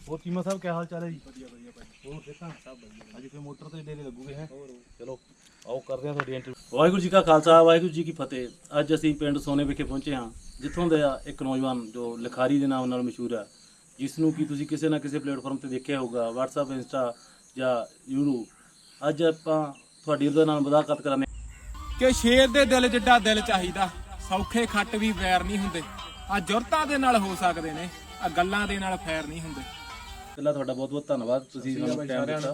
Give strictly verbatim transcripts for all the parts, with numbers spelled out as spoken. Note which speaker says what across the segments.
Speaker 1: ਹੋਰ ਚੀਮਾ ਸਾਹਿਬ ਕੀ ਹਾਲ ਚਾਲ ਹੈ ਜੀ? ਵਧੀਆ ਵਧੀਆ ਭਾਈ। ਹੋਰ ਦੇਖਾਂ ਸਭ ਵਧੀਆ। ਅੱਜ ਫਿਰ ਮੋਟਰ ਤੇ ਡੇਰੇ ਲੱਗੂਗੇ ਹੈ। ਚਲੋ ਆਓ ਕਰਦੇ ਹਾਂ ਤੁਹਾਡੀ ਇੰਟਰਵਿਊ। ਵਾਹਿਗੁਰੂ ਜੀ ਕਾ ਖਾਲਸਾ ਵਾਹਿਗੁਰੂ ਜੀ ਕੀ ਫਤਿਹ। ਅੱਜ ਅਸੀਂ ਪਿੰਡ ਸੋਨੇ ਵਿਖੇ ਪਹੁੰਚੇ ਹਾਂ, ਜਿੱਥੋਂ ਦਾ ਇੱਕ ਨੌਜਵਾਨ ਜੋ ਲਿਖਾਰੀ ਦੇ ਨਾਮ ਨਾਲ ਮਸ਼ਹੂਰ ਹੈ, ਜਿਸ ਨੂੰ ਕਿ ਤੁਸੀਂ ਕਿਸੇ ਨਾ ਕਿਸੇ ਪਲੇਟਫਾਰਮ ਤੇ ਦੇਖਿਆ ਹੋਊਗਾ, ਵਟਸਐਪ, ਇੰਸਟਾ ਜਾਂ ਯੂਟਿਊਬ। ਅੱਜ ਆਪਾਂ ਤੁਹਾਡੀ ਉਹਦੇ ਨਾਲ ਮੁਲਾਕਾਤ ਕਰਾਂਗੇ
Speaker 2: ਕਿ ਸ਼ੇਰ ਦੇ ਦਿਲ ਜਿੱਡਾ ਦਿਲ ਚਾਹੀਦਾ, ਸੌਖੇ ਖੱਟ ਵੀ ਵੈਰ ਨਹੀਂ ਹੁੰਦੇ। ਆ ਜੁਰਤਾਂ ਦੇ ਨਾਲ ਹੋ ਸਕਦੇ ਨੇ, ਆ ਗੱਲਾਂ ਦੇ ਨਾਲ ਫੈਰ ਨਹੀਂ ਹੁੰਦੇ।
Speaker 1: ਪਹਿਲਾਂ ਤੁਹਾਡਾ ਬਹੁਤ ਬਹੁਤ ਧੰਨਵਾਦ, ਤੁਸੀਂ ਸਾਨੂੰ ਟਾਈਮ ਦਿੱਤਾ।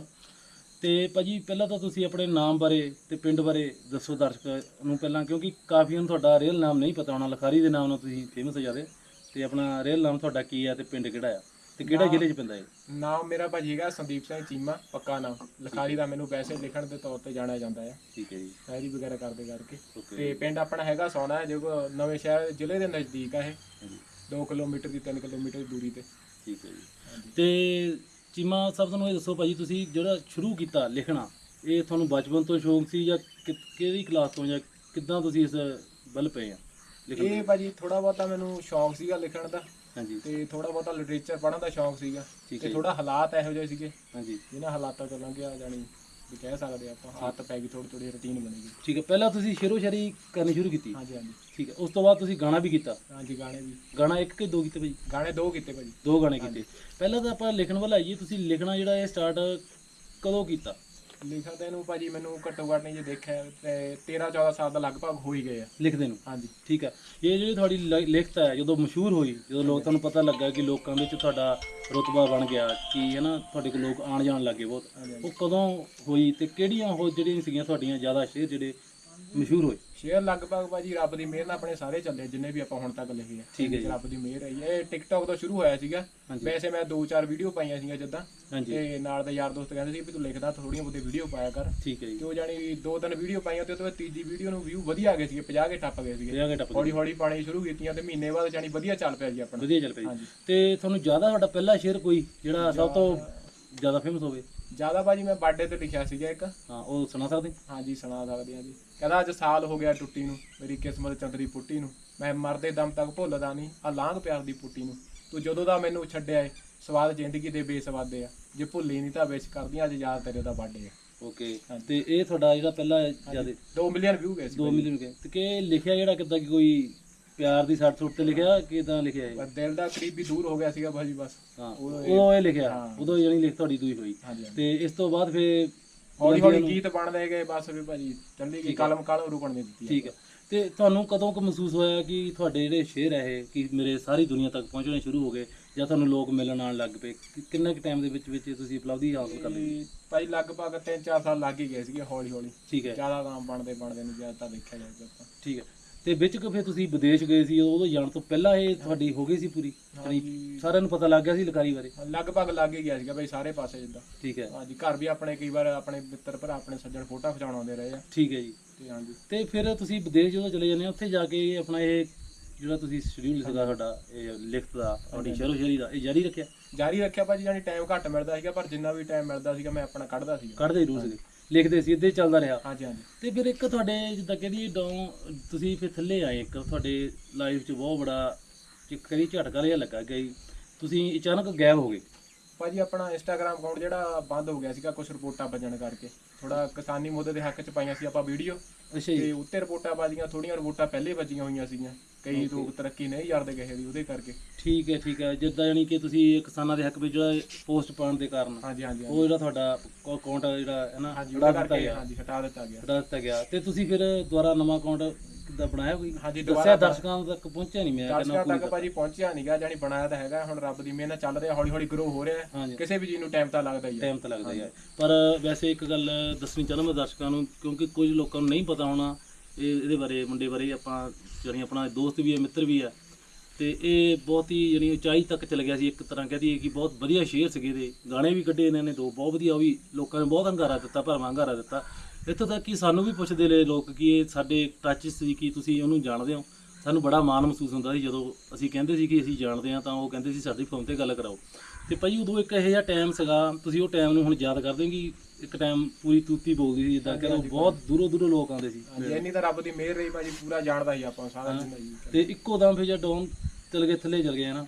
Speaker 1: ਤੇ ਭਾਜੀ ਪਹਿਲਾਂ ਤਾਂ ਤੁਸੀਂ ਆਪਣੇ ਨਾਮ ਬਾਰੇ ਤੇ ਪਿੰਡ ਬਾਰੇ ਦੱਸੋ ਦਰਸ਼ਕ ਨੂੰ ਪਹਿਲਾਂ, ਕਿਉਂਕਿ ਕਾਫੀ ਨੂੰ ਤੁਹਾਡਾ ਰੀਅਲ ਨਾਮ ਨਹੀਂ ਪਤਾ ਹੋਣਾ। ਲਿਖਾਰੀ ਦੇ ਨਾਮ ਨਾਲ ਤੁਸੀਂ ਫੇਮਸ ਹੋ ਜਾਦੇ, ਤੇ ਆਪਣਾ ਰੀਅਲ ਨਾਮ ਤੁਹਾਡਾ ਕੀ ਹੈ ਤੇ ਪਿੰਡ ਕਿਹੜਾ ਆ ਤੇ ਕਿਹੜਾ ਜ਼ਿਲ੍ਹੇ 'ਚ ਪੈਂਦਾ ਹੈ?
Speaker 2: ਨਾਮ ਮੇਰਾ ਭਾਜੀ ਹੈਗਾ ਸੰਦੀਪ ਸਿੰਘ ਚੀਮਾ, ਪੱਕਾ ਨਾਮ। ਲਿਖਾਰੀ ਦਾ ਮੈਨੂੰ ਵੈਸੇ ਲਿਖਣ ਦੇ ਤੌਰ ਤੇ ਜਾਣਿਆ ਜਾਂਦਾ ਹੈ।
Speaker 1: ਠੀਕ ਹੈ ਜੀ।
Speaker 2: ਸ਼ਾਇਰੀ ਵਗੈਰਾ ਕਰਦੇ ਕਰਕੇ। ਤੇ ਪਿੰਡ ਆਪਣਾ ਹੈਗਾ ਸੋਨਾ ਹੈ, ਜੋ ਨਵੇਂ ਸ਼ਹਿਰ ਜ਼ਿਲ੍ਹੇ ਦੇ ਨਜ਼ਦੀਕ ਹੈ। ਇਹ ਦੋ ਕਿਲੋਮੀਟਰ ਦੀ ਤਿੰਨ ਕਿਲੋਮੀਟਰ ਦੀ ਦੂਰੀ ਤੇ।
Speaker 1: ਠੀਕ ਹੈ ਜੀ। ਤੇ ਚੀਮਾ ਸਾਹਿਬ ਤੁਹਾਨੂੰ ਇਹ ਦੱਸੋ ਭਾਜੀ, ਤੁਸੀਂ ਜਿਹੜਾ ਸ਼ੁਰੂ ਕੀਤਾ ਲਿਖਣਾ, ਇਹ ਤੁਹਾਨੂੰ ਬਚਪਨ ਤੋਂ ਸ਼ੌਂਕ ਸੀ ਜਾਂ ਕਿਹੜੀ ਕਲਾਸ ਤੋਂ, ਜਾਂ ਕਿੱਦਾਂ ਤੁਸੀਂ ਇਸ ਵੱਲ ਪਏ ਆ ਲਿਖਣ?
Speaker 2: ਇਹ ਭਾਜੀ ਥੋੜਾ ਬਹੁਤਾ ਮੈਨੂੰ ਸ਼ੌਂਕ ਸੀਗਾ ਲਿਖਣ ਦਾ।
Speaker 1: ਹਾਂਜੀ।
Speaker 2: ਤੇ ਥੋੜਾ ਬਹੁਤਾ ਲਿਟਰੇਚਰ ਪੜ੍ਹਨ ਦਾ ਸ਼ੌਂਕ ਸੀਗਾ।
Speaker 1: ਠੀਕ
Speaker 2: ਤੇ
Speaker 1: ਹੈ।
Speaker 2: ਥੋੜਾ ਹਾਲਾਤ ਇਹੋ ਜਿਹੇ ਸੀਗੇ,
Speaker 1: ਹਾਂਜੀ,
Speaker 2: ਜਿਹਨਾਂ ਹਾਲਾਤਾਂ ਤੋਂ ਲੰਘਿਆ ਜਾਣੀ ਵੀ ਕਹਿ ਸਕਦੇ ਆਪਾਂ, ਆਦਤ ਪੈ ਗਈ, ਥੋੜੀ ਥੋੜੀ ਰੁਟੀਨ ਬਣ ਗਈ।
Speaker 1: ਠੀਕ ਹੈ। ਪਹਿਲਾਂ ਤੁਸੀਂ ਸ਼ੇਰੋ ਸ਼ਾਇਰੀ ਕਰਨੀ ਸ਼ੁਰੂ ਕੀਤੀ?
Speaker 2: ਹਾਂਜੀ ਹਾਂਜੀ
Speaker 1: ਠੀਕ ਹੈ। ਉਸ ਤੋਂ ਬਾਅਦ ਤੁਸੀਂ ਗਾਣਾ ਵੀ ਕੀਤਾ?
Speaker 2: ਹਾਂਜੀ ਗਾਣੇ ਵੀ।
Speaker 1: ਗਾਣਾ ਇੱਕ ਕਿ ਦੋ ਕੀਤੇ ਭਾਜੀ?
Speaker 2: ਗਾਣੇ ਦੋ ਕੀਤੇ ਭਾਜੀ।
Speaker 1: ਦੋ ਗਾਣੇ ਕੀਤੇ। ਪਹਿਲਾਂ ਤਾਂ ਆਪਾਂ ਲਿਖਣ ਵੱਲ ਆਈਏ, ਤੁਸੀਂ ਲਿਖਣਾ ਜਿਹੜਾ ਇਹ ਸਟਾਰਟ ਕਦੋਂ ਕੀਤਾ?
Speaker 2: ਲਿਖਣ ਦੇ ਨੂੰ ਭਾਜੀ ਮੈਨੂੰ ਘੱਟੋ ਘੱਟ ਨਹੀਂ ਜੇ ਦੇਖਿਆ ਤੇ ਤੇਰਾਂ ਚੌਦਾਂ ਸਾਲ ਦਾ ਲਗਭਗ ਹੋ ਹੀ ਗਏ ਆ
Speaker 1: ਲਿਖਦੇ ਨੂੰ।
Speaker 2: ਹਾਂਜੀ।
Speaker 1: ਠੀਕ ਹੈ। ਇਹ ਜਿਹੜੀ ਤੁਹਾਡੀ ਲ- ਲਿਖਤ ਹੈ, ਜਦੋਂ ਮਸ਼ਹੂਰ ਹੋਈ, ਜਦੋਂ ਲੋਕ ਤੁਹਾਨੂੰ ਪਤਾ ਲੱਗਾ ਕਿ ਲੋਕਾਂ ਵਿੱਚ ਤੁਹਾਡਾ ਰੁਤਬਾ ਬਣ ਗਿਆ, ਕਿ ਹੈ ਨਾ ਤੁਹਾਡੇ ਕੋਲ ਲੋਕ ਆਣ ਜਾਣ ਲੱਗੇ ਬਹੁਤ, ਉਹ ਕਦੋਂ ਹੋਈ ਤੇ ਕਿਹੜੀਆਂ ਉਹ ਜਿਹੜੀਆਂ ਸੀਗੀਆਂ ਤੁਹਾਡੀਆਂ ਜ਼ਿਆਦਾ ਸ਼ੇਅਰ ਜਿਹੜੇ ਮਸ਼ਹੂਰ ਹੋਏ?
Speaker 2: ਸ਼ੇਅਰ ਲਗਭਗ ਭਾਜੀ ਰੱਬ ਦੀ ਮਿਹਰ ਨਾਲ ਆਪਣੇ ਸਾਰੇ ਚੱਲੇ, ਜਿੰਨੇ ਵੀ ਆਪਾਂ ਹੁਣ ਤੱਕ ਲਿਖੇ ਆ।
Speaker 1: ਠੀਕ ਹੈ ਜੀ।
Speaker 2: ਰੱਬ ਦੀ ਮਿਹਰ ਹੈ। ਇਹ ਟਿਕਟੌਕ ਤੋਂ ਸ਼ੁਰੂ ਹੋਇਆ ਸੀਗਾ। ਵੈਸੇ ਮੈਂ ਦੋ ਚਾਰ ਵੀਡੀਓ ਪਾਈਆਂ ਸੀਗੀਆਂ ਜਿੱਦਾਂ,
Speaker 1: ਹਾਂਜੀ।
Speaker 2: ਤੇ ਨਾਲ ਦੇ ਯਾਰ ਦੋਸਤ ਕਹਿੰਦੇ ਸੀ ਵੀ ਤੂੰ ਲਿਖਦਾ, ਥੋੜੀਆਂ ਬਹੁਤੀ ਵੀਡੀਓ ਪਾਇਆ ਕਰ।
Speaker 1: ਠੀਕ ਹੈ ਜੀ।
Speaker 2: ਤੇ ਉਹ ਜਾਣੀ ਦੋ ਤਿੰਨ ਵੀਡੀਓ ਪਾਈਆਂ, ਤੇ ਉਹ ਤੋਂ ਬਾਅਦ ਤੀਜੀ ਵੀਡੀਓ ਨੂੰ ਵਿਊ ਵਧੀਆ ਆ ਗਏ ਸੀਗੇ, ਪੰਜਾਹ ਕੇ ਟੱਪ ਗਏ ਸੀਗੇ।
Speaker 1: ਪੰਜਾਹ ਕੇ ਟੱਪ ਗਏ।
Speaker 2: ਹੌਲੀ ਹੌਲੀ ਪਾਣੀ ਸ਼ੁਰੂ ਕੀਤੀਆਂ ਤੇ ਮਹੀਨੇ ਬਾਅਦ ਜਾਣੀ ਵਧੀਆ ਚੱਲ ਪਿਆ ਜੀ ਆਪਣਾ।
Speaker 1: ਵਧੀਆ ਚੱਲ ਪਈ।
Speaker 2: ਹਾਂਜੀ।
Speaker 1: ਤੇ ਤੁਹਾਨੂੰ ਜ਼ਿਆਦਾ ਤੁਹਾਡਾ ਪਹਿਲਾ ਸ਼ੇਅਰ ਕੋਈ ਜਿਹੜਾ ਸਭ ਤੋਂ ਜ਼ਿਆਦਾ ਫੇਮਸ ਹੋਵੇ?
Speaker 2: ਜਿਆਦਾ ਭਾਜੀ ਮੈਂ ਬਰਥਡੇ ਤੇ ਲਿਖਿਆ ਸੀਗਾ ਇੱਕ।
Speaker 1: ਹਾਂ, ਉਹ ਸੁਣਾ ਸਕਦੇ?
Speaker 2: ਹਾਂਜੀ ਸੁਣਾ ਸਕਦੇ ਹਾਂ ਜੀ। ਕਹਿੰਦਾ ਅੱਜ ਸਾਲ ਹੋ ਗਿਆ ਟੁੱਟੀ ਨੂੰ, ਮੇਰੀ ਕਿਸਮਤ ਚੰਦਰੀ ਪੁੱਟੀ ਨੂੰ, ਮੈਂ ਮਰਦੇ ਦਮ ਤੱਕ ਭੁੱਲਦਾ ਨਹੀਂ ਆ ਲਾਂਘ ਪਿਆਰ ਦੀ ਪੁੱਟੀ ਨੂੰ, ਤੂੰ ਜਦੋਂ ਦਾ ਮੈਨੂੰ ਛੱਡਿਆ ਏ ਸਵਾਦ ਜ਼ਿੰਦਗੀ ਦੇ ਬੇਸਵਾਦੇ ਆ, ਜੇ ਭੁੱਲੀ ਨਹੀਂ ਤਾਂ ਵਿਸ਼ ਕਰਦੀਆਂ ਅੱਜ ਯਾਦ ਤੇਰੇ ਦਾ ਬਰਥਡੇ ਆ।
Speaker 1: ਓਕੇ। ਤੇ ਇਹ ਤੁਹਾਡਾ ਜਿਹੜਾ ਪਹਿਲਾ ਜਿਆਦਾ
Speaker 2: ਦੋ ਮਿਲੀਅਨ ਵਿਊ ਗਏ ਸੀ।
Speaker 1: ਦੋ ਮਿਲੀਅਨ ਗਏ। ਤੇ ਕਿ ਲਿਖਿਆ ਜਿਹੜਾ ਕਿੱਦਾਂ, ਕਿ ਕੋਈ ਪਿਆਰ ਦੀ ਸੱਟ ਸੁੱਟ ਤੇ ਲਿਖਿਆ, ਕਿਦਾਂ ਲਿਖਿਆ ਇਹ?
Speaker 2: ਪਰ ਦਿਲ ਦਾ ਕਰੀਬ ਵੀ ਦੂਰ ਹੋ ਗਿਆ ਸੀਗਾ ਭਾਜੀ ਬਸ।
Speaker 1: ਹਾਂ, ਉਦੋਂ ਇਹ ਲਿਖਿਆ, ਉਦੋਂ ਜਿਹੜੀ ਲਿਖ ਤੁਹਾਡੀ ਦੂਈ ਹੋਈ।
Speaker 2: ਹਾਂਜੀ।
Speaker 1: ਤੇ ਇਸ ਤੋਂ ਬਾਅਦ ਫਿਰ
Speaker 2: ਹੌਲੀ ਹੌਲੀ ਗੀਤ ਬਣਦੇ ਗਏ ਬਸ ਵੀ ਭਾਜੀ, ਚੱਲੀ ਗਈ ਕਲਮ ਕਾਲੋਂ ਰੁਕਣ ਨਹੀਂ ਦਿੱਤੀ।
Speaker 1: ਠੀਕ ਹੈ। ਤੇ ਤੁਹਾਨੂੰ ਕਦੋਂ ਕੁ ਮਹਿਸੂਸ ਹੋਇਆ ਕਿ ਤੁਹਾਡੇ ਜਿਹੜੇ ਸ਼ੇਅਰ ਹੈ ਇਹ ਕਿ ਮੇਰੇ ਸਾਰੀ ਦੁਨੀਆ ਤੱਕ ਪਹੁੰਚਣੇ ਸ਼ੁਰੂ ਹੋ ਗਏ, ਜਾਂ ਤੁਹਾਨੂੰ ਲੋਕ ਮਿਲਣ ਆਉਣ ਲੱਗ ਪਏ? ਕਿੰਨੇ ਕੁ ਟਾਈਮ ਦੇ ਵਿੱਚ ਵਿੱਚ ਤੁਸੀਂ ਉਪਲਬਧੀ ਹਾਸਲ ਕਰ ਲਈ?
Speaker 2: ਭਾਈ ਲਗਭਗ ਤਿੰਨ ਚਾਰ ਸਾਲ ਲੱਗ ਹੀ ਗਏ ਸੀਗੇ ਹੌਲੀ ਹੌਲੀ।
Speaker 1: ਠੀਕ ਹੈ।
Speaker 2: ਜ਼ਿਆਦਾ ਨਾਮ ਬਣਦੇ ਬਣਦੇ ਨੂੰ ਜ਼ਿਆਦਾ ਤਾਂ ਦੇਖਿਆ ਜਾਵੇ ਆਪਾਂ।
Speaker 1: ਠੀਕ ਹੈ। ਤੇ ਵਿੱਚ ਕਿ ਫਿਰ ਤੁਸੀਂ ਵਿਦੇਸ਼ ਗਏ ਸੀ, ਉਦੋਂ ਜਾਣ ਤੋਂ ਪਹਿਲਾਂ ਇਹ ਤੁਹਾਡੀ ਹੋ ਗਈ ਸੀ ਪੂਰੀ? ਸਾਰਿਆਂ ਨੂੰ ਪਤਾ ਲੱਗ ਗਿਆ ਸੀ ਲਿਖਾਰੀ ਬਾਰੇ?
Speaker 2: ਲਗਭਗ ਲੱਗ ਹੀ ਗਿਆ ਸੀਗਾ ਭਾਈ ਸਾਰੇ ਪਾਸੇ ਜਿੱਦਾਂ।
Speaker 1: ਠੀਕ ਹੈ।
Speaker 2: ਹਾਂਜੀ। ਘਰ ਵੀ ਆਪਣੇ ਕਈ ਵਾਰ ਆਪਣੇ ਮਿੱਤਰ ਭਰਾ ਆਪਣੇ ਸੱਜਣ ਫੋਟੋ ਖਿਚਾਉਣ ਆਉਂਦੇ ਰਹੇ ਆ।
Speaker 1: ਠੀਕ ਹੈ ਜੀ।
Speaker 2: ਤੇ ਹਾਂਜੀ।
Speaker 1: ਤੇ ਫਿਰ ਤੁਸੀਂ ਵਿਦੇਸ਼ ਜਦੋਂ ਚਲੇ ਜਾਂਦੇ ਹੋ, ਉੱਥੇ ਜਾ ਕੇ ਆਪਣਾ ਇਹ ਜਿਹੜਾ ਤੁਸੀਂ ਸ਼ਡਿਊਲ ਲਿਖਦਾ ਤੁਹਾਡਾ ਇਹ ਲਿਖਤ ਦਾ, ਤੁਹਾਡੀ ਸ਼ੇਰੋ ਸ਼ਾਇਰੀ ਦਾ, ਇਹ ਜਾਰੀ ਰੱਖਿਆ?
Speaker 2: ਜਾਰੀ ਰੱਖਿਆ ਭਾਜੀ, ਜਾਨੀ ਟਾਈਮ ਘੱਟ ਮਿਲਦਾ ਸੀਗਾ, ਪਰ ਜਿੰਨਾ ਵੀ ਟਾਈਮ ਮਿਲਦਾ ਸੀਗਾ ਮੈਂ ਆਪਣਾ ਕੱਢਦਾ ਸੀਗਾ।
Speaker 1: ਕੱਢਦੇ ਜ਼ਰੂਰ ਸੀਗੇ, ਲਿਖਦੇ ਸੀ, ਇੱਦਾਂ ਹੀ ਚੱਲਦਾ ਰਿਹਾ?
Speaker 2: ਹਾਂਜੀ ਹਾਂਜੀ।
Speaker 1: ਤੇ ਫਿਰ ਇੱਕ ਤੁਹਾਡੇ ਜਿੱਦਾਂ ਕਹਿੰਦੀ ਡਾਊਨ ਤੁਸੀਂ ਫਿਰ ਥੱਲੇ ਆਏ, ਇੱਕ ਤੁਹਾਡੇ ਲਾਈਫ 'ਚ ਬਹੁਤ ਬੜਾ ਕਰੀ ਝਟਕਾ ਜਿਹਾ ਲੱਗਾ ਕਿ ਤੁਸੀਂ ਅਚਾਨਕ ਗਾਇਬ ਹੋ ਗਏ।
Speaker 2: ਭਾਜੀ ਆਪਣਾ ਇੰਸਟਾਗ੍ਰਾਮ ਅਕਾਊਂਟ ਜਿਹੜਾ ਬੰਦ ਹੋ ਗਿਆ ਸੀਗਾ ਕੁਝ ਰਿਪੋਰਟਾਂ ਵੱਜਣ ਕਰਕੇ, ਥੋੜਾ ਕਿਸਾਨੀ ਮੁੱਦੇ ਦੇ ਹੱਕ 'ਚ ਪਾਈਆਂ ਸੀ ਆਪਾਂ ਵੀਡੀਓ।
Speaker 1: ਅੱਛਾ ਜੀ।
Speaker 2: ਤੇ ਉੱਤੇ ਰਿਪੋਰਟਾਂ ਵੱਜੀਆਂ, ਥੋੜੀਆਂ ਰਿਪੋਰਟਾਂ ਪਹਿਲੇ ਵੱਜੀਆਂ ਹੋਈਆਂ ਸੀਗੀਆਂ, ਕਈ ਲੋਕ ਤਰੱਕੀ ਨਹੀਂ ਕਰਦੇ ਕਿਸੇ ਦੀ ਉਹਦੇ ਕਰਕੇ।
Speaker 1: ਠੀਕ ਹੈ ਠੀਕ ਹੈ। ਜਿੱਦਾਂ ਜਾਨੀ ਕਿ ਤੁਸੀਂ ਕਿਸਾਨਾਂ ਦੇ ਹੱਕ ਵਿੱਚ ਜਿਹੜਾ ਪੋਸਟ ਪਾਉਣ ਦੇ ਕਾਰਨ
Speaker 2: ਹਾਂਜੀ ਹਾਂਜੀ
Speaker 1: ਉਹ ਜਿਹੜਾ ਤੁਹਾਡਾ ਅਕਾਊਂਟ ਜਿਹੜਾ ਹੈ ਨਾ
Speaker 2: ਹਾਂਜੀ
Speaker 1: ਹਟਾ
Speaker 2: ਉਹਦੇ
Speaker 1: ਦਿੱਤਾ
Speaker 2: ਕਰਕੇ
Speaker 1: ਗਿਆ?
Speaker 2: ਹਾਂਜੀ ਹਟਾ ਦਿੱਤਾ ਗਿਆ।
Speaker 1: ਹਟਾ ਦਿੱਤਾ ਗਿਆ। ਤੇ ਤੁਸੀਂ ਫਿਰ ਦੁਬਾਰਾ ਨਵਾਂ ਅਕਾਊਂਟ ਕਿੱਦਾਂ ਬਣਾਇਆ ਕੋਈ?
Speaker 2: ਹਾਂਜੀ
Speaker 1: ਦੱਸਿਆ
Speaker 2: ਦੁਬਾਰਾ
Speaker 1: ਦਰਸ਼ਕਾਂ ਤੱਕ ਪਹੁੰਚਿਆ ਨਹੀਂ? ਮੈਂ
Speaker 2: ਦਰਸ਼ਕਾਂ ਤੱਕ ਭਾਜੀ ਪਹੁੰਚਿਆ ਨਹੀਂਗਾ, ਜਾਨੀ ਬਣਾਇਆ ਤਾਂ ਹੈਗਾ, ਹੁਣ ਰੱਬ ਦੀ ਮਿਹਰ ਨਾਲ ਚੱਲ ਰਿਹਾ, ਹੌਲੀ ਹੌਲੀ ਗਰੋ ਹੋ ਰਿਹਾ।
Speaker 1: ਹਾਂਜੀ।
Speaker 2: ਕਿਸੇ ਵੀ ਚੀਜ਼ ਨੂੰ ਟਾਈਮ ਤਾਂ ਲੱਗਦਾ ਹੀ ਹੈ।
Speaker 1: ਟਾਈਮ ਤਾਂ ਲੱਗਦਾ ਹੀ ਹੈ। ਪਰ ਵੈਸੇ ਇੱਕ ਗੱਲ ਦੱਸਣੀ ਚਾਹੁੰਦਾ ਮੈਂ ਦਰਸ਼ਕਾਂ ਨੂੰ, ਕਿਉਂਕਿ ਕੁਝ ਲੋਕਾਂ ਨੂੰ ਨਹੀਂ ਪਤਾ ਹੋਣਾ ਇਹ ਇਹਦੇ ਬਾਰੇ, ਮੁੰਡੇ ਬਾਰੇ। ਆਪਾਂ ਜਾਨੀ ਆਪਣਾ ਦੋਸਤ ਵੀ ਹੈ, ਮਿੱਤਰ ਵੀ ਹੈ, ਤੇ ਇਹ ਬਹੁਤ ਹੀ ਜਾਨੀ ਉਚਾਈ ਤੱਕ ਚਲ ਗਿਆ ਸੀ। ਇੱਕ ਤਰ੍ਹਾਂ ਕਹਦੀ ਕਿ ਬਹੁਤ ਵਧੀਆ ਸ਼ੇਅਰ ਸੀਗੇ, ਇਹਦੇ ਗਾਣੇ ਵੀ ਕੱਢੇ ਇਹਨਾਂ ਨੇ ਦੋ ਬਹੁਤ ਵਧੀਆ, ਉਹ ਵੀ ਲੋਕਾਂ ਨੇ ਬਹੁਤ ਹੰਗਾਰਾ ਦਿੱਤਾ, ਭਰਵਾਂ ਹੰਗਾਰਾ ਦਿੱਤਾ। ਇੱਥੋਂ ਤੱਕ ਕਿ ਸਾਨੂੰ ਵੀ ਪੁੱਛਦੇ ਰਹੇ ਲੋਕ ਕਿ ਇਹ ਸਾਡੇ ਟੱਚ ਸੀ, ਕਿ ਤੁਸੀਂ ਉਹਨੂੰ ਜਾਣਦੇ ਹੋ। ਸਾਨੂੰ ਬੜਾ ਮਾਣ ਮਹਿਸੂਸ ਹੁੰਦਾ ਸੀ ਜਦੋਂ ਅਸੀਂ ਕਹਿੰਦੇ ਸੀ ਕਿ ਅਸੀਂ ਜਾਣਦੇ ਹਾਂ, ਤਾਂ ਉਹ ਕਹਿੰਦੇ ਸੀ ਸਾਡੀ ਫੋਨ ਤੇ ਗੱਲ ਕਰਾਓ। ਤੇ ਭਾਈ ਉਦੋਂ ਇੱਕ ਇਹੋ ਜਿਹਾ ਟਾਈਮ ਸੀਗਾ, ਤੁਸੀਂ ਉਹ ਟਾਈਮ ਨੂੰ ਹੁਣ ਯਾਦ ਕਰਦੇ ਕਿ ਇੱਕ ਟਾਈਮ ਪੂਰੀ ਤੂਤੀ ਬੋਲਦੀ ਸੀ, ਜਿੱਦਾਂ ਕਹਿੰਦੇ ਬਹੁਤ ਦੂਰੋਂ ਦੂਰੋਂ ਲੋਕ ਆਉਂਦੇ ਸੀ।
Speaker 2: ਹਾਂਜੀ ਇੰਨੀ ਤਾਂ ਰੱਬ ਦੀ ਮਿਹਰ ਰਹੀ ਭਾਜੀ, ਪੂਰਾ ਜਾਣਦਾ ਸੀ ਆਪਾਂ ਸਾਰਾ ਦਿਨ ਜੀ।
Speaker 1: ਤੇ ਇੱਕੋ ਦਮ ਫਿਰ ਜਦ ਡਾਊਨ ਚਲ ਗਏ, ਥੱਲੇ ਚਲ ਗਏ ਨਾ,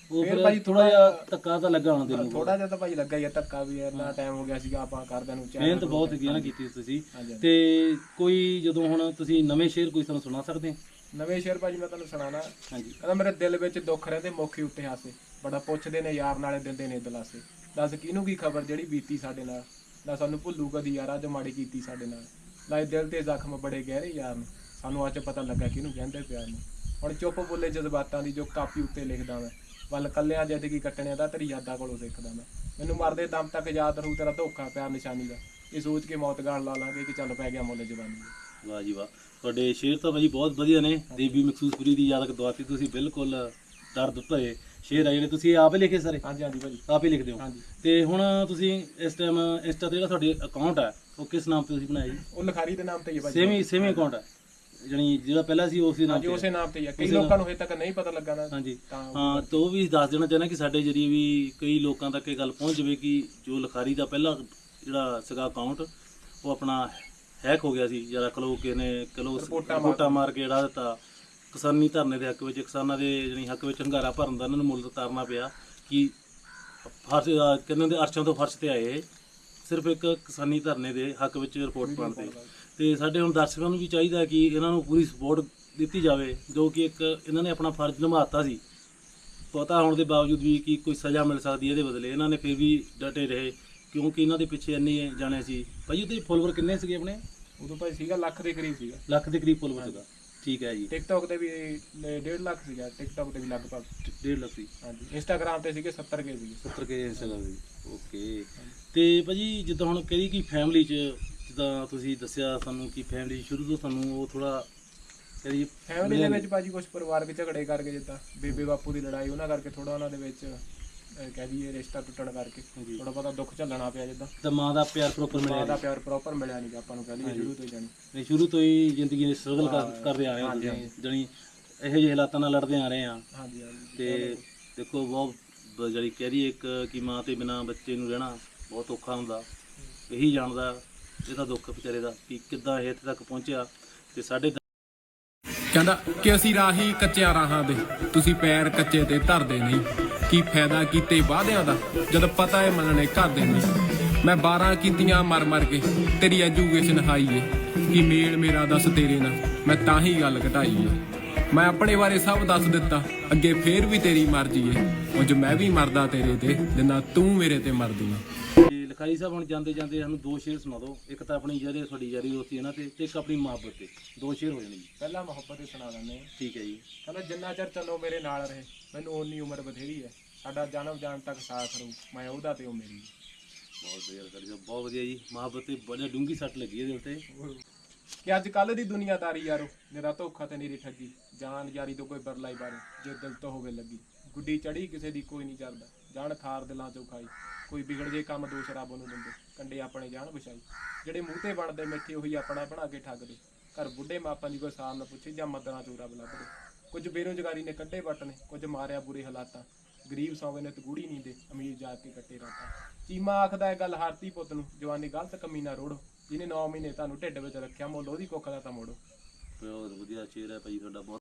Speaker 1: ਉਹ
Speaker 2: ਫਿਰ
Speaker 1: ਫਿਰ
Speaker 2: ਭਾਜੀ
Speaker 1: ਥੋੜਾ ਜਿਹਾ ਧੱਕਾ ਤਾਂ ਲੱਗਾ ਹੋਣਾ ਤੈਨੂੰ।
Speaker 2: ਥੋੜਾ ਜਿਹਾ ਤਾਂ ਭਾਈ ਲੱਗਾ ਹੀ ਆ ਧੱਕਾ ਵੀ, ਇੰਨਾ ਟਾਈਮ ਹੋ ਗਿਆ ਸੀਗਾ ਆਪਾਂ ਕਰਦਿਆਂ ਨੂੰ।
Speaker 1: ਮਿਹਨਤ ਬਹੁਤ ਹੈਗੀ ਨਾ ਕੀਤੀ ਤੁਸੀਂ।
Speaker 2: ਹਾਂਜੀ, ਹਾਂਜੀ।
Speaker 1: ਤੇ ਕੋਈ ਜਦੋਂ ਹੁਣ ਤੁਸੀਂ ਨਵੇਂ ਸ਼ੇਰ ਕੋਈ ਸਾਨੂੰ ਸੁਣਾ ਸਕਦੇ ਹੋ?
Speaker 2: ਨਵੇਂ ਸ਼ੇਰ ਭਾਜੀ ਮੈਂ ਤੁਹਾਨੂੰ ਸੁਣਾਣਾ।
Speaker 1: ਹਾਂਜੀ।
Speaker 2: ਕਹਿੰਦਾ ਮੇਰੇ ਦਿਲ ਵਿੱਚ ਦੁੱਖ ਰਹਿੰਦੇ ਮੌਖੇ ਉੱਤੇ ਹਾਸੇ, ਬੜਾ ਪੁੱਛਦੇ ਨੇ ਯਾਰ ਨਾਲੇ ਦਿੰਦੇ ਨੇ ਦਲਾਸੇ। ਦੱਸ ਕਿਹਨੂੰ ਕੀ ਖਬਰ ਜਿਹੜੀ ਬੀਤੀ ਸਾਡੇ ਨਾਲ, ਨਾ ਸਾਨੂੰ ਭੁੱਲੂ ਕਦੀ ਯਾਰ ਅੱਜ ਮਾੜੀ ਕੀਤੀ ਸਾਡੇ ਨਾਲ। ਲਾਏ ਦਿਲ ਤੇ ਜ਼ਖਮ ਬੜੇ ਗਹਿਰੇ ਯਾਰ ਨੇ, ਸਾਨੂੰ ਅੱਜ ਪਤਾ ਲੱਗਾ ਕਿਹਨੂੰ ਕਹਿੰਦੇ ਪਿਆਰ ਨੂੰ। ਹੁਣ ਚੁੱਪ ਬੋਲੇ ਜਜ਼ਬਾਤਾਂ ਦੀ ਜੋ ਕਾਪੀ ਉੱਤੇ ਲਿਖਦਾ ਮੈਂ, ਵੱਲ ਕੱਲਿਆਂ ਜ਼ਿੰਦਗੀ ਕੱਟਣਿਆਂ ਦਾ ਤੇਰੀ ਯਾਦਾਂ ਕੋਲੋਂ ਸਿੱਖਦਾ ਮੈਂ। ਮੈਨੂੰ ਮਰਦੇ ਦਮ ਤੱਕ ਯਾਦ ਰਹੂ ਤੇਰਾ ਧੋਖਾ ਪਿਆਰ ਨਿਸ਼ਾਨੀ ਦਾ, ਇਹ ਸੋਚ ਕੇ ਮੌਤ ਗਾਲ ਲਾ ਲਾਂਗੇ ਕਿ ਚੱਲ ਪੈ ਗਿਆ ਮੁੱਲ ਜਵਾਨੀ ਦਾ।
Speaker 1: ਵਾਹ ਜੀ ਵਾਹ, ਤੁਹਾਡੇ ਸ਼ੇਰ ਤਾਂ ਭਾਜੀ ਬਹੁਤ ਵਧੀਆ ਨੇ। ਦੇਵੀ ਮਖਸੂਸਪੁਰੀ ਦੀ ਯਾਦ ਦਵਾਤੀ ਤੁਸੀਂ, ਬਿਲਕੁਲ ਦਰਦ ਭਰੇ ਸ਼ੇਰ ਆ ਜਿਹੜੇ ਤੁਸੀਂ ਆਪ ਹੀ ਲਿਖੇ ਸਾਰੇ?
Speaker 2: ਹਾਂਜੀ ਹਾਂਜੀ ਭਾਜੀ,
Speaker 1: ਆਪ ਹੀ ਲਿਖਦੇ ਹੋ।
Speaker 2: ਹਾਂਜੀ।
Speaker 1: ਤੇ ਹੁਣ ਤੁਸੀਂ ਇਸ ਟਾਈਮ ਇੰਸਟਾ ਤੇ ਜਿਹੜਾ ਤੁਹਾਡੇ ਅਕਾਊਂਟ ਹੈ ਉਹ ਕਿਸ ਨਾਮ ਤੇ ਤੁਸੀਂ ਬਣਾਇਆ ਜੀ?
Speaker 2: ਉਹ ਲਿਖਾਰੀ ਦੇ ਨਾਮ ਤੇ ਹੀ ਹੈ ਭਾਜੀ।
Speaker 1: ਸੇਮੀ ਸੇਮੀ ਅਕਾਊਂਟ ਹੈ ਜਾਨੀ ਜਿਹੜਾ ਪਹਿਲਾਂ ਸੀ ਉਸੇ ਨਾਮ
Speaker 2: ਹਾਂਜੀ
Speaker 1: ਤੇ?
Speaker 2: ਉਸੇ ਨਾਮ ਤੇ ਹੀ ਹੈ। ਕਈ ਲੋਕਾਂ ਨੂੰ ਹਜੇ ਤੱਕ ਨਹੀਂ ਪਤਾ ਲੱਗਾ ਨਾ।
Speaker 1: ਹਾਂਜੀ
Speaker 2: ਤਾਂ
Speaker 1: ਹਾਂ, ਤਾਂ ਉਹ ਵੀ ਦੱਸ ਦੇਣਾ ਚਾਹੁੰਦਾ ਕਿ ਸਾਡੇ ਜਰੀਏ ਵੀ ਕਈ ਲੋਕਾਂ ਤੱਕ ਇਹ ਗੱਲ ਪਹੁੰਚ ਜਾਵੇ ਕਿ ਜੋ ਲਿਖਾਰੀ ਦਾ ਪਹਿਲਾ ਜਿਹੜਾ ਸੀਗਾ ਅਕਾਊਂਟ ਉਹ ਆਪਣਾ ਹੈਕ ਹੋ ਗਿਆ ਸੀ, ਜਿਹੜਾ ਕਲੋ ਕੇ ਨੇ ਕਲੋ ਰਿਪੋਰਟਾਂ ਮਾਰ ਕੇ ਜਿਹੜਾ ਦਿੱਤਾ ਕਿਸਾਨੀ ਧਰਨੇ ਦੇ ਹੱਕ ਵਿੱਚ, ਕਿਸਾਨਾਂ ਦੇ ਜਾਨੀ ਹੱਕ ਵਿੱਚ ਹੰਗਾਰਾ ਭਰਨ ਦਾ ਇਹਨਾਂ ਨੂੰ ਮੁੱਲ ਉਤਾਰਨਾ ਪਿਆ ਕਿ ਫਰਸ਼ ਕਹਿੰਦੇ ਦੇ ਅਰਸ਼ਾਂ ਤੋਂ ਫਰਸ਼ ਤੇ ਆਏ ਸਿਰਫ ਇੱਕ ਕਿਸਾਨੀ ਧਰਨੇ ਦੇ ਹੱਕ ਵਿੱਚ ਰਿਪੋਰਟ ਪਾਉਣ ਤੇ। ਤੇ ਸਾਡੇ ਹੁਣ ਦਰਸ਼ਕਾਂ ਨੂੰ ਵੀ ਚਾਹੀਦਾ ਕਿ ਇਹਨਾਂ ਨੂੰ ਪੂਰੀ ਸਪੋਰਟ ਦਿੱਤੀ ਜਾਵੇ, ਜੋ ਕਿ ਇੱਕ ਇਹਨਾਂ ਨੇ ਆਪਣਾ ਫਰਜ਼ ਨਿਭਾਤਾ ਸੀ। ਪਤਾ ਹੋਣ ਦੇ ਬਾਵਜੂਦ ਵੀ ਕਿ ਕੋਈ ਸਜ਼ਾ ਮਿਲ ਸਕਦੀ ਇਹਦੇ ਬਦਲੇ, ਇਹਨਾਂ ਨੇ ਫਿਰ ਵੀ ਡਟੇ ਰਹੇ ਕਿਉਂਕਿ ਇਹਨਾਂ ਦੇ ਪਿੱਛੇ ਇੰਨੇ ਜਾਣੇ ਸੀ। ਭਾਈ ਉਹਦੇ ਫੋਲੋਵਰ ਕਿੰਨੇ ਸੀਗੇ ਆਪਣੇ?
Speaker 2: ਉਦੋਂ ਭਾਈ ਸੀਗਾ ਲੱਖ ਦੇ ਕਰੀਬ ਸੀਗਾ।
Speaker 1: ਲੱਖ ਦੇ ਕਰੀਬ ਫੋਲੋਵਰ ਸੀਗਾ, ਠੀਕ ਹੈ ਜੀ।
Speaker 2: ਟਿਕਟੌਕ ਤੇ ਵੀ ਡੇਢ ਲੱਖ ਸੀਗਾ, ਟਿਕਟੌਕ ਤੇ ਵੀ ਲਗਭਗ
Speaker 1: ਡੇਢ ਲੱਖ ਸੀ।
Speaker 2: ਹਾਂਜੀ। ਇੰਸਟਾਗ੍ਰਾਮ ਤੇ ਸੀਗੇ ਸੱਤਰ ਕੇ ਸੀਗੇ।
Speaker 1: ਸੱਤਰ ਕੇ ਇੰਸਟਾਗ੍ਰਾਮ ਦੀ, ਓਕੇ। ਤੇ ਭਾਜੀ ਜਿੱਦਾਂ ਹੁਣ ਕਿਹੜੀ ਕੀ ਫੈਮਿਲੀ 'ਚ, ਜਿੱਦਾਂ ਤੁਸੀਂ ਦੱਸਿਆ ਸਾਨੂੰ ਕਿ ਫੈਮਿਲੀ ਸ਼ੁਰੂ ਤੋਂ ਸਾਨੂੰ ਉਹ ਥੋੜਾ ਕਹਦੀ
Speaker 2: ਫੈਮਿਲੀ ਦੇ ਵਿੱਚ ਭਾਜੀ ਕੁਝ ਪਰਿਵਾਰਕ ਝਗੜੇ ਕਰਕੇ, ਜਿੱਦਾਂ ਬੇਬੇ ਬਾਪੂ ਦੀ ਲੜਾਈ, ਉਹਨਾਂ ਕਰਕੇ ਥੋੜਾ ਉਹਨਾਂ ਦੇ ਵਿੱਚ ਕਹਿ ਦਈਏ ਰਿਸ਼ਤਾ ਟੁੱਟਣ ਕਰਕੇ ਥੋੜਾ ਬਹੁਤਾ ਦੁੱਖ ਝੱਲਣਾ ਪਿਆ। ਜਿੱਦਾਂ
Speaker 1: ਤਾਂ ਮਾਂ ਦਾ ਪਿਆਰ ਪ੍ਰੋਪਰ ਮਿਲਿਆ?
Speaker 2: ਮਾਂ ਦਾ ਪਿਆਰ ਪ੍ਰੋਪਰ ਮਿਲਿਆ ਨਹੀਂ ਆਪਾਂ ਨੂੰ, ਕਹਿ ਦਈਏ ਸ਼ੁਰੂ ਤੋਂ ਹੀ ਜਾਣੀ।
Speaker 1: ਨਹੀਂ, ਸ਼ੁਰੂ ਤੋਂ ਹੀ ਜ਼ਿੰਦਗੀ ਦੇ ਸਟਰਗਲ ਕਰਦੇ ਆ ਰਹੇ ਹਾਂ ਤੁਸੀਂ, ਜਾਨੀ ਇਹੋ ਜਿਹੇ ਹਾਲਾਤਾਂ ਨਾਲ ਲੜਦੇ ਆ ਰਹੇ ਹਾਂ।
Speaker 2: ਹਾਂਜੀ ਹਾਂਜੀ।
Speaker 1: ਤੇ ਦੇਖੋ ਬਹੁਤ ਜਿਹੜੀ ਕਹਿ ਰਹੀ ਇੱਕ ਕਿ ਮਾਂ ਤੇ ਬਿਨਾ ਬੱਚੇ ਨੂੰ ਰਹਿਣਾ ਬਹੁਤ ਔਖਾ ਹੁੰਦਾ, ਇਹੀ ਜਾਣਦਾ ਇਹਦਾ ਦੁੱਖ ਵਿਚਾਰੇ ਦਾ ਕਿ ਕਿੱਦਾਂ ਇਹ ਇੱਥੇ ਤੱਕ ਪਹੁੰਚਿਆ। ਤੇ ਸਾਡੇ
Speaker 3: ਕਹਿੰਦਾ ਕਿ ਅਸੀਂ ਰਾਹੀ ਕੱਚਿਆਂ ਰਾਹਾਂ ਦੇ, ਤੁਸੀਂ ਪੈਰ ਕੱਚੇ ਤੇ ਧਰਦੇ ਨਹੀਂ। ਕੀ ਫਾਇਦਾ ਕੀਤੇ ਵਾਅਦਿਆਂ ਦਾ ਜਦ ਪਤਾ ਏ ਮੰਨਣੇ ਘਰ ਦੇ ਨਹੀਂ। ਮੈਂ ਬਾਰਾਂ ਕੀਤੀਆਂ ਮਰ ਮਰ ਕੇ ਤੇਰੀ ਐਜੂਕੇਸ਼ਨ ਹਾਈ ਏ, ਕੀ ਮੇਲ ਮੇਰਾ ਦੱਸ ਤੇਰੇ ਨਾਲ, ਮੈਂ ਤਾਂ ਹੀ ਗੱਲ ਘਟਾਈ ਏ। ਮੈਂ ਆਪਣੇ ਬਾਰੇ ਸਭ ਦੱਸ ਦਿੱਤਾ, ਅੱਗੇ ਫੇਰ ਵੀ ਤੇਰੀ ਮਰਜ਼ੀ ਏ। ਉਂਝ ਮੈਂ ਵੀ ਮਰਦਾ ਤੇਰੇ ਤੇ ਜਿੰਨਾ ਤੂੰ ਮੇਰੇ ਤੇ ਮਰਦੀ ਏ।
Speaker 1: ਲਿਖਾਰੀ ਸਾਹਿਬ ਹੁਣ ਜਾਂਦੇ ਜਾਂਦੇ ਸਾਨੂੰ ਦੋ ਸ਼ੇਰ ਸੁਣਾ ਦਿਓ। ਇੱਕ ਤਾਂ ਆਪਣੀ ਜਿਹੜੇ ਤੁਹਾਡੀ ਯਾਰੀ ਦੋਸਤੀ ਇਹਨਾਂ ਤੇ, ਤੇ ਇੱਕ ਆਪਣੀ ਮੁਹੱਬਤ ਤੇ, ਦੋ ਸ਼ੇਰ ਹੋ ਜਾਣੇ ਜੀ।
Speaker 2: ਪਹਿਲਾਂ ਮੁਹੱਬਤ ਹੀ ਸੁਣਾ ਦਿੰਦੇ ਹਾਂ।
Speaker 1: ਠੀਕ ਹੈ ਜੀ।
Speaker 2: ਕਹਿੰਦਾ ਜਿੰਨਾ ਚਿਰ ਚੱਲੋ ਮੇਰੇ ਨਾਲ ਰਹੇ, ਮੈਨੂੰ ਓਨੀ ਉਮਰ ਬਥੇਰੀ ਹੈ। ਸਾਡਾ ਜਨਮ ਜਾਣ ਤੱਕ ਸਾਥ ਰਹੂ, ਮੈਂ ਉਹਦਾ ਤੇ ਉਹ ਮੇਰੀ।
Speaker 1: ਬਹੁਤ ਵਧੀਆ ਲਿਖਾਰੀ ਸਾਹਿਬ, ਬਹੁਤ ਵਧੀਆ ਜੀ। ਮੁਹੱਬਤ ਤੇ ਬੜੀ ਡੂੰਗੀ ਸੱਟ ਲੱਗੀ ਇਹਦੇ ਉੱਤੇ।
Speaker 2: ਕਿ ਅੱਜ ਕੱਲ੍ਹ ਦੀ ਦੁਨੀਆਦਾਰੀ ਯਾਰੋ, ਮੇਰਾ ਧੋਖਾ ਤੇ ਨੀਰੀ ਠੱਗੀ, ਜਾਨ ਯਾਰੀ ਤੋਂ ਕੋਈ ਬਰਲਾਈ ਬਾਰੇ ਜੇ ਦਿਲ ਤੋਂ ਹੋਵੇ ਲੱਗੀ। ਗੁੱਡੀ ਚੜੀ ਕਿਸੇ ਦੀ ਕੋਈ ਨਹੀਂ ਚੜਦਾ, ਜਾਨ ਖਾਰ ਦਿਲਾਂ ਚੋਂ ਖਾਈ। ਕੋਈ ਵਿਗੜ ਜੇ ਕੰਮ ਦੋ ਸ਼ਰਾਬ ਨੂੰ ਦਿੰਦੇ, ਕੰਡੇ ਆਪਣੇ ਜਾਨ ਵਿਛਾਈ। ਜਿਹੜੇ ਮੂੰਹ ਤੇ ਬਣਦੇ ਮਿੱਠੇ ਉਹੀ ਆਪਣਾ ਬਣਾ ਕੇ ਠੱਗਦੇ, ਘਰ ਬੁੱਢੇ ਮਾਪਾਂ ਦੀ ਕੋਈ ਸਾਰ ਨਾ ਪੁੱਛੇ ਜਾਂ ਮਦਰਾਂ ਚੋਂ ਰੱਬ ਲੱਭਦੇ। ਕੁਝ ਬੇਰੁਜ਼ਗਾਰੀ ਨੇ ਕੱਢੇ ਵੱਟ ਨੇ, ਕੁਝ ਮਾਰਿਆ ਬੁਰੇ ਹਾਲਾਤਾਂ। ਗਰੀਬ ਸੌਂਗੇ ਨੇ ਤਗੂੜੀ ਨੀਂਦੇ, ਅਮੀਰ ਜਾ ਕੇ ਕੱਟੇ ਰਾਤਾਂ। ਚੀਮਾ ਆਖਦਾ ਇਹ ਗੱਲ ਹਾਰਤੀ ਪੁੱਤ ਨੂੰ, ਜਵਾਨੀ ਗਲਤ ਕਮੀ ਨਾ ਰੋੜੋ। ਜਿਹਨੇ ਨੌ ਮਹੀਨੇ ਤੁਹਾਨੂੰ ਢਿੱਡ ਵਿੱਚ ਰੱਖਿਆ, ਮੁੱਲ ਉਹਦੀ ਕੁੱਖ ਦਾ ਤਾਂ ਮੋੜੋ।
Speaker 1: ਬਹੁਤ ਵਧੀਆ ਸ਼ੇਰ ਹੈ ਭਾਈ ਤੁਹਾਡਾ, ਬਹੁਤ